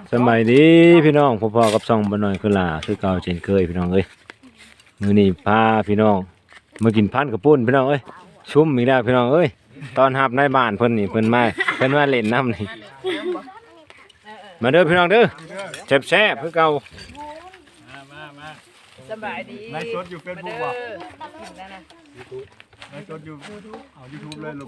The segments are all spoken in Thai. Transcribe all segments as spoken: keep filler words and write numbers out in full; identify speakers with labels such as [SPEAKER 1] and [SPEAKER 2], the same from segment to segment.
[SPEAKER 1] สมัยดีพี่น้องพ่อๆกับซ่องบ่น้อยคือล่ะคือเก่าเช่นเคยพี่น้องเอ้ยมื้อนี้พาพี่น้องมากินพันกระปุ้นพี่น้องเอ้ยชุ่มอีกแล้วพี่น้องเอ้ยตอนรับในบ้านเพิ่นนี่เพิ่นมาเพิ่นมาเล่นน้ำนี่มาเด้อพี่น้องเด้อแซ่บๆคือเก่า
[SPEAKER 2] สบายดี
[SPEAKER 3] ไลฟ์สดอยู่เฟซบุ๊กว่ะ
[SPEAKER 2] กินแล้วนะ
[SPEAKER 3] ไลฟ์สดอยู่เอายูทูบเลยลูก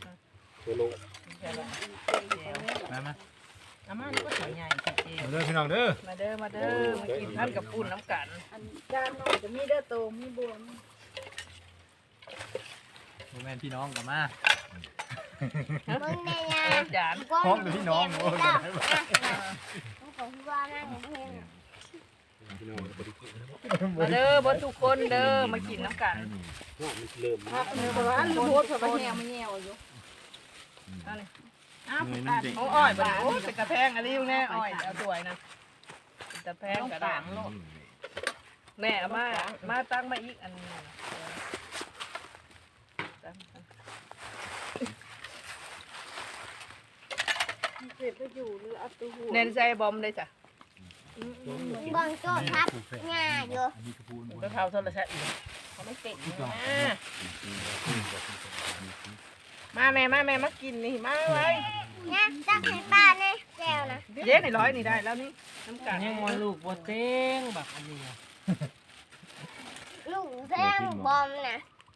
[SPEAKER 3] มามา
[SPEAKER 2] อาม่านี่ก็สวยใหญ่จริง
[SPEAKER 1] มาเด้อพี่น้องเด้อ
[SPEAKER 2] มาเด้อมาเด้อมากินท่านกับปุ่นน้ำกัน
[SPEAKER 4] จานน้อยจะมีเด้อโตมีบวม
[SPEAKER 3] โมแมนพี่น้องกับมา
[SPEAKER 4] มึงเนี่ยนะ
[SPEAKER 2] จาน
[SPEAKER 3] พ้องหรือพี่น้องโอ้ยได้ไหม
[SPEAKER 4] มึงของพี่ว่านั่งเพ่ง
[SPEAKER 2] มาเด้อบนทุกคนเด้อมากินน้ำกัน
[SPEAKER 4] เนื้อร้านลูกโบดกับแง่ไม่แง่อยู่
[SPEAKER 2] อ้าวโอ้อ้อยบ่โอ้เป็นกระแพงอะไรอยู่แน่อ้อยเอาสวยนะเป็นกระแพงกระด่างแม่เอามามาตั้งมาอีกอันนึง
[SPEAKER 4] เสร็จไปอยู่หรืออัตูหู
[SPEAKER 2] เน้นใจบอมเลยจ้ะ
[SPEAKER 4] บางโจ้ทับง่ายอยู่
[SPEAKER 2] ก็เท่าโทรศัพท์อีกเขาไม่ติดมาแม่มาแม่มากินนี่มาไว้
[SPEAKER 4] นะตักให้ป้าเนี่ยแก้วนะ
[SPEAKER 2] เย็นในร้อยนี่ได้แล้วนี่น้ำกัน
[SPEAKER 5] ยังวันลูกบ่เต้งแบบอันนี้
[SPEAKER 4] ลูกแท่งบอมนะ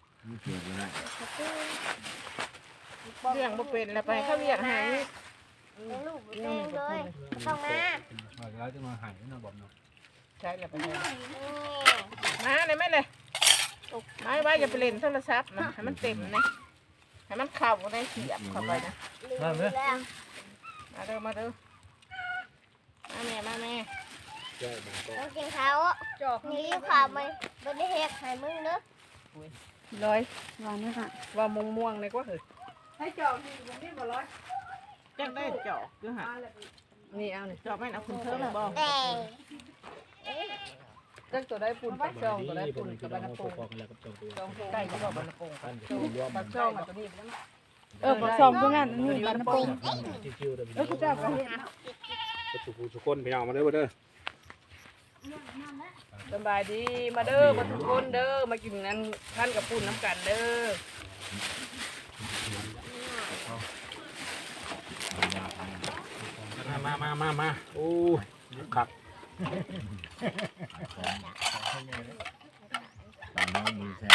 [SPEAKER 2] เรื่องบ่เป็นแล้วไปเขาเรียกหา
[SPEAKER 4] ลูกแท่งเลยต้องมา
[SPEAKER 3] แล้วจะมาหายนะบอกเนาะ
[SPEAKER 2] ใช่แล้วไปเลยมาเลยไหมเลยมาไว้อย่าไปเล่นโทรศัพท์นะให้มันเต็มนะให้มันเข้าได้เสียบเข้าไปนะ
[SPEAKER 4] แล้ว
[SPEAKER 2] มาเด้อมาเด้อมาแม่มาแม่
[SPEAKER 4] ต้องกินเขานี่รีบข่าวไปไม่ได้เฮ็ดให้มึงเด้อ
[SPEAKER 2] ร้อย
[SPEAKER 4] วันนี้ค่ะ
[SPEAKER 2] ว่าม่วงม่วงเลยก็เหรอให้จอกนี่ผมนี่บ่ร้อยจังได้จอกด้วยฮะนี่เอาเนี่ยจอกไม่เอาคุณเพิ่มบ่
[SPEAKER 4] แต่
[SPEAKER 2] จังตัวได้ปุ่นปักช่องตัวได้ปุ่นกับบรรณพงช่องใกล้จะบอกบรรณพงปักช่องตัวนี้เออปักช่องตรงนั้นนี่บรรณพงเออคุณเจ้าก็เห็น
[SPEAKER 1] ทุกคนพี่น้องมาเด้อมาเด้อ
[SPEAKER 2] สบายดีมาเด้อมาทุกคนเด้อมากินนั้นท่านกับปุ่นน้ำกันเด้อ
[SPEAKER 1] มามามามาโอ้ยคักตอนน้องมือแซ่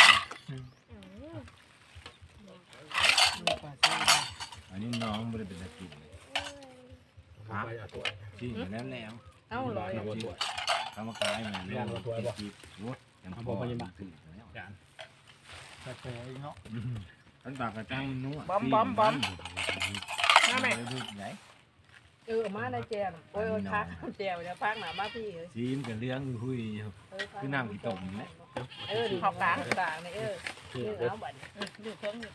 [SPEAKER 1] อันนี้น้องไม่ได้เป็นตะกินครับจริงแล้วแล้ว
[SPEAKER 2] เอ้าร้อย
[SPEAKER 1] ทำมาขายเหมือนเรื่องตัวบ่โอ้ยยังพอยังบักถึงแล้ว
[SPEAKER 3] แต่แต่เนาะ
[SPEAKER 1] ท่านปากกระจังนัว
[SPEAKER 2] บอมบอมบอมมาแม่
[SPEAKER 1] ใหญ่
[SPEAKER 2] เออมาในแจมโอ้ยพักแจมเนี่ยพักหนามาพี่เอ้ย
[SPEAKER 1] ซีมกับเลี้ยงหุยคือน้ำกี่ต้มนี่
[SPEAKER 2] เออขอบกลางกลางนี่เออนี่เอาบัตรดูเครื่องนี่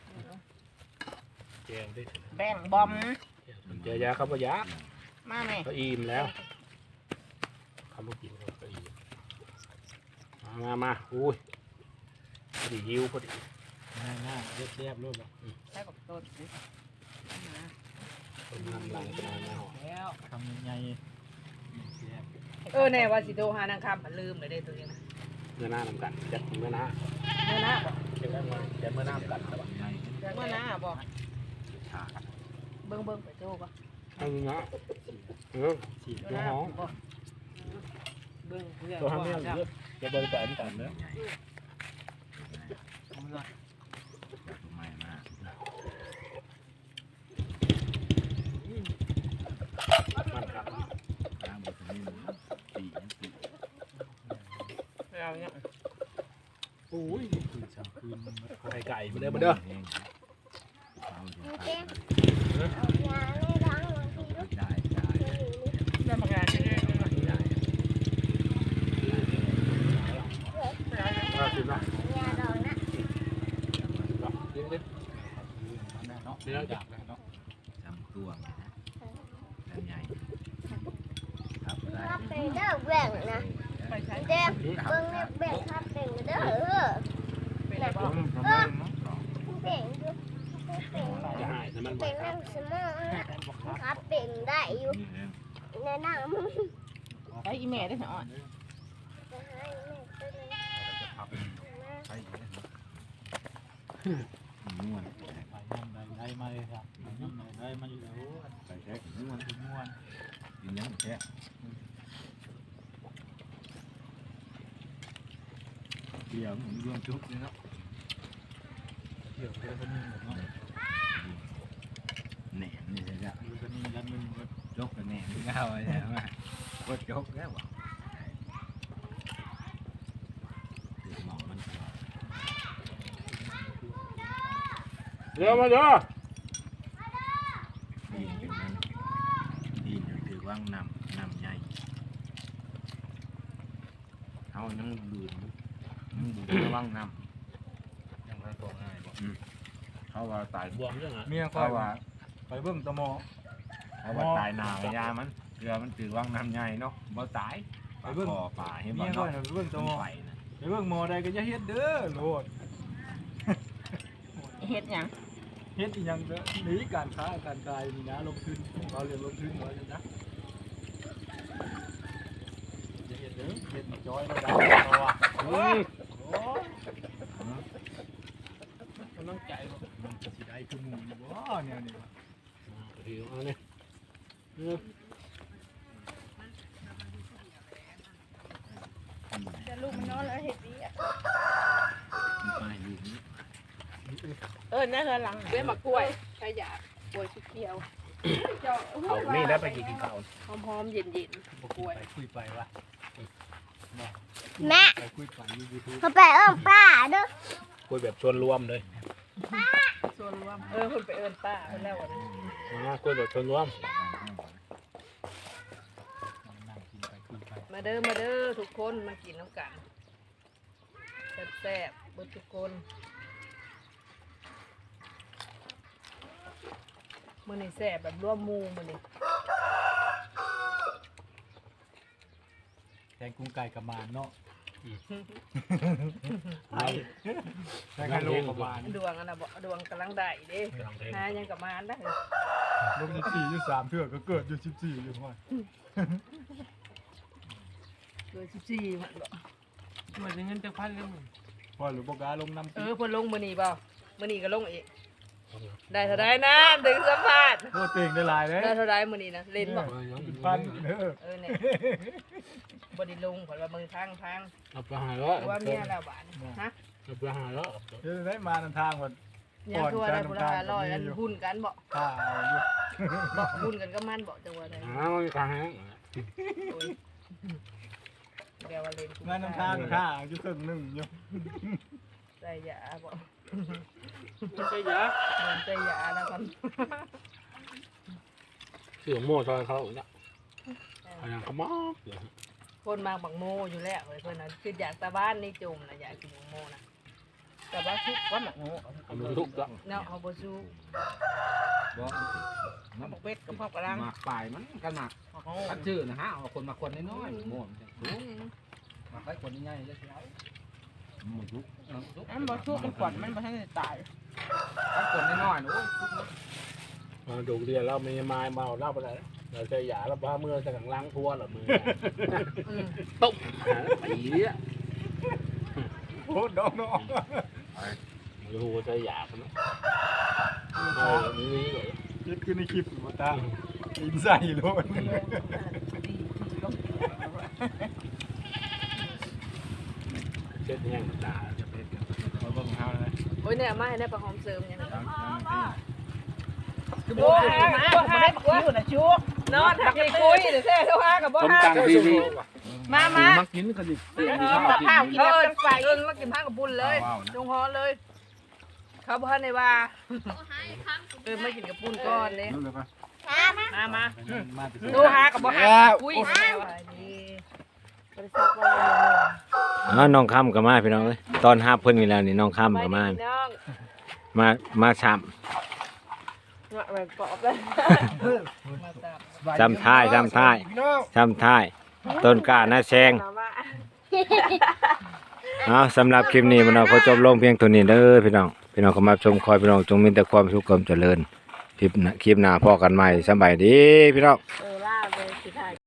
[SPEAKER 3] แกงได้
[SPEAKER 2] แบ่งบอม
[SPEAKER 3] เจอยาครับว่ายา
[SPEAKER 2] มาแม่
[SPEAKER 3] ก็อิ่มแล้วคำว่ากินก็อิ่มมามาอุ้ยพอดีหิวพอดีง่ายง่ายเรียบเรียบรูปแบบ
[SPEAKER 2] ใช้กับต้น
[SPEAKER 3] คนทำลายเป็นอะไรหอ
[SPEAKER 2] แล้ว
[SPEAKER 3] ทำยังไง
[SPEAKER 2] เออแน่ว่าสิโทรหานางคำมันลืมเลยได้ตัวนี้นะ
[SPEAKER 3] เมื่อหน้าทำกันจัดเมื่อหน้า
[SPEAKER 2] เมื่อหน้าบอก
[SPEAKER 3] เก็บไว้มาแกเมื่อหน้าทำกันครับ
[SPEAKER 2] เมื่อหน้าบอกเบิ้งเบิ้งไปโทรป่ะ
[SPEAKER 3] เอาเนาะเออฉีดตัวห้อง
[SPEAKER 2] เบิ้งเพื่อน
[SPEAKER 3] ตัวห้องเนี่ยเยอะจะบริการกันเนอะ
[SPEAKER 1] ใหม่มาก
[SPEAKER 3] มันครับ
[SPEAKER 1] น้ำมันนี่ตีตี
[SPEAKER 2] เราเนี่ย
[SPEAKER 3] โอ้ยคืนสามคืนไก่ไก่มาเด้อมาเด้อ
[SPEAKER 4] เจ๊เอายาไม่ล้างบางทีลูก
[SPEAKER 1] ได้ได้
[SPEAKER 2] ได้มางานที่นี่
[SPEAKER 1] ได้
[SPEAKER 3] มาคืนละ
[SPEAKER 4] ยาดองนะ
[SPEAKER 3] เลี้ยงเล็กเนาะเลี้ยงจับเนาะ
[SPEAKER 1] จำตัวนะแล้วใหญ่ครับได้
[SPEAKER 4] ครับเป็นเด้อแบ่งนะ
[SPEAKER 2] ไปใช้
[SPEAKER 4] เด็กเบิ่งเนี่ยแบ่งครับเป็นเด้อเออ
[SPEAKER 2] เป็นอะไรบ้าง
[SPEAKER 4] แบ่งอยู่แบ่ง
[SPEAKER 3] จะหายแต่มัน
[SPEAKER 4] เป็นน้ำสมองนะครับเป็นได้อยู่
[SPEAKER 1] เ
[SPEAKER 4] แนะนำมึง
[SPEAKER 2] ไปอีแม่ได้เหรออ่อน
[SPEAKER 4] จะให้แม่ตัวนึง
[SPEAKER 1] ม่วน
[SPEAKER 3] ไปย่ำได้มาเลยครับไปย่ำได้มาอยู่แล้ว
[SPEAKER 1] ใส่แท้ม่วน
[SPEAKER 3] ม่วน
[SPEAKER 1] กินยังแท้เดี๋ยวมันรวมจุ๊บนี่เนาะ
[SPEAKER 3] เดี๋ยวเดี๋ยวคนนึงเนาะ
[SPEAKER 1] แหนมนี่ใช่จ้ะ
[SPEAKER 3] ดูคนนึงแล้วมึง
[SPEAKER 1] จกกันแหนมนี่เอาไว้แล้วว่าก็จกแล้วว่ะหมองมัน
[SPEAKER 3] เดี๋ยวมาเด้อ
[SPEAKER 1] ดีเป็นมันดีอยู่ถือว่างนำนำใหญ่เขายังดูดยังดูดระว่างนำยังไม่ตกง่ายบ่เขาว่าตาย
[SPEAKER 3] บวมยังไง
[SPEAKER 6] เมียคอ
[SPEAKER 1] เขา
[SPEAKER 6] ย
[SPEAKER 1] ว่า
[SPEAKER 6] ไปเบิ่งตะหมอ
[SPEAKER 1] เขาว่าตายหนาวายามันเรือมันถือว่างนำใหญ่เนาะบ่ตายไปเบิ่งป่าเห็น
[SPEAKER 6] เมี
[SPEAKER 1] บ่
[SPEAKER 6] ยคอย
[SPEAKER 1] เนาะ
[SPEAKER 6] น่ะไปเบิ่งตะหมอ
[SPEAKER 1] ไปนะ
[SPEAKER 6] ไปเบิ่งหมอใดก็อย่าเฮ็ดเด้อโลด
[SPEAKER 2] เฮ็ดหยัง
[SPEAKER 6] เฮ็ดอีหยังเด้อหนีการค้าการขายนี่นะลงทุนเราเรียนลงทุนไว้นะอย่าเฮ็ดเด้อเฮ็ดมาจอยแล้วได้เอาว่ะโอ้ยโอ้ย
[SPEAKER 3] กำลังใจบ่
[SPEAKER 6] มันจะสิได้คือหมู่นี่บ่แนวนี้วะ
[SPEAKER 3] เดี๋ยวเอาเนี่ย
[SPEAKER 2] จะลูกมันนอนแล้วเฮ็ดดีอ่ะ
[SPEAKER 1] ไปอยู่นี่
[SPEAKER 2] เออนั่นคือหลังเว้ยมากล้วยใครอยากกล้วยชุบเขียว
[SPEAKER 3] เอานี่ได้ไปกินข้าว
[SPEAKER 2] หอมๆเย็นๆกล้วย
[SPEAKER 6] ไปคุยไปวะ
[SPEAKER 4] แม่
[SPEAKER 6] ไปคุยไปอยู่ YouTube
[SPEAKER 4] เขาไปเอิ้มป้าเด้อ
[SPEAKER 3] คุยแบบชวนรวมเลย
[SPEAKER 2] ส่วนรวมเออเพิ่นไปเอิ้นป้าเพิ่นแล้วอะนะ
[SPEAKER 3] นะคุยแบบชวนรวม
[SPEAKER 6] นั่งกินไปคุยไป
[SPEAKER 2] มาเด้อมาเด้อทุกคนมากินน้ำกันแซ่บๆเบิดทุกคนมื้อนี้แซ่บแบบร่วมหมู่มื้อนี้
[SPEAKER 6] แกงกุ้งไก่กับมานเนาะ
[SPEAKER 3] ไอ้
[SPEAKER 6] แกงไก่โลกับมาน
[SPEAKER 2] ดวงอันน่ะบ่ดวงกำลังได้เด้
[SPEAKER 3] กำลังเท
[SPEAKER 2] หายังกับมานได้
[SPEAKER 6] ลงยี่สิบสี่ยี่สิบสามเทื่อก็เกิดอยู่สิบสี่อยู่ห้อย
[SPEAKER 2] เบอร์สิบสี่มันบ่
[SPEAKER 5] เหมือนเงินจะพันเลยมึง
[SPEAKER 6] พอหรือบอกกาลงน้ำ
[SPEAKER 2] เออเพิ่นลงมื้อนี้บ่มื้อนี้ก็ลงอีกได้เท่าใดนะถึงสัมภาษณ์
[SPEAKER 6] โคตรเต่งได้หลายเลย
[SPEAKER 2] ได้เท่าใดมื้อนี้นะเล่นบ่
[SPEAKER 6] เป็นพันเด้อ
[SPEAKER 2] เออเนี่ยบ่ได้ลงเพิ่นว่ามึงทางทาง
[SPEAKER 3] เอาไปหาแล้ว
[SPEAKER 2] ว่าเมียแล้วบาดนี้ฮะ
[SPEAKER 3] เอาไปหาแล้ว
[SPEAKER 6] เดี๋ยวได้มานำทางก่อน
[SPEAKER 2] ยังทัวได้พุ่นละห้าร้อยอันหุ้นกันบ่
[SPEAKER 6] ข้าเอาอยู่
[SPEAKER 2] บ่หุ้นกันก็มันบ่จังว่าได้
[SPEAKER 3] หาไม่ค้าง
[SPEAKER 2] โอ้ยแกว่าเล่น
[SPEAKER 6] งานนำทางข้าเอาอยู่ครึ่งหนึงอยู่
[SPEAKER 2] ใส่ยาบ่
[SPEAKER 3] ไม่ใช่ยา
[SPEAKER 2] เหมือนใส่ยาแล้วกัน
[SPEAKER 3] เสือโม่ซอยเขาเนี่ยพยังขมอก
[SPEAKER 2] คนมาบักโมอยู่แล้วเว้ยเพิ่นน่ะคืออยากตาบ้านนี่จุ่มน่ะอยากกินบักโมน่ะแต่ว่าทุกวันบักโม
[SPEAKER 3] เอามือทุกแล้ว
[SPEAKER 2] เนาะเฮาบ่สู้
[SPEAKER 1] บ่
[SPEAKER 2] เอาบักเป็ดกับพ่อกระลัง
[SPEAKER 1] หมากปลายมันกันหมาก
[SPEAKER 2] เฮา
[SPEAKER 1] คัดชื่อนะฮะเอาคนมาคนน้อยๆโม่มันจะสูงมาใครคนใหญ่ๆจะสิเอาหมดทุกเออทุก
[SPEAKER 2] อันบ่สู้มันก่อนมันบ่ทันได้ตาย
[SPEAKER 1] คัดคนน้อยๆนะโอ้ยทุกนะ
[SPEAKER 3] มาดูเรียนเราไม่มาเมาเล่าไปไหนเราใช้ยาแล้วพาเมื่อจะกังล้างทั่วหรอมือ
[SPEAKER 2] อืม
[SPEAKER 3] ตุ๊บปีเนี่ย
[SPEAKER 6] โอ้ดอกน้อง
[SPEAKER 3] ดูใช้ยาคนนั้นเออนี่เลย
[SPEAKER 6] คิดขึ้นในคลิปมาตาอินใส่โลด
[SPEAKER 2] ดีดีลง
[SPEAKER 3] เช็ดแห้งตา
[SPEAKER 1] จะเป็นกันมาเบิ่งเฮาเลย
[SPEAKER 2] โอ้ยเนี่ยมาให้ได้ประหอมเสริมอย่างนี้
[SPEAKER 1] ตามตามที่
[SPEAKER 2] คือบ่หาบ่หาอยู่น่ะชุกนอนหักไปคุยเดี๋ยวแท้เท่าหากับบ่
[SPEAKER 3] ต้ม
[SPEAKER 2] หา
[SPEAKER 3] ตังดีดี
[SPEAKER 2] มามา
[SPEAKER 3] มักกินกันดิ
[SPEAKER 2] เออกับข้าวกินแบบไฟเอิ้นมากินข้าวกับบุญเลยจงฮอเลย เขาบ่ทันได้ว่าเออมากินกับปุ้นก่อนเด้
[SPEAKER 6] นั่นเลยปะ
[SPEAKER 2] มามา
[SPEAKER 6] มาไป
[SPEAKER 2] ดูหากับบ่หาคุยแม่ว่านี่บริษัทว่า
[SPEAKER 1] อ๋อน้องค่ำก็มาพี่น้องเอ้ยตอนหาเพิ่นนี่แล้วนี่น้องค่ำก็มา
[SPEAKER 2] น้อง
[SPEAKER 1] มามาช้
[SPEAKER 2] มาแบบปอบเลยมาตาม
[SPEAKER 1] ำจำท้ายจำท้ายจำท้าย ต้นกล้าหน้าแซง
[SPEAKER 2] มาว่า
[SPEAKER 1] เอาสำหรับคลิปนี้มันเอาขอจบลงเพียงเท่านี้เด้อพี่น้องพี่น้องเข้ามาชมคอยพี่น้องจงมีแต่ความสุขความเจริญคลิปหน้าคลิปหน้าพอกันใหม่สบายดีพี่น้อง
[SPEAKER 2] เออล่าเลยสิถ่าย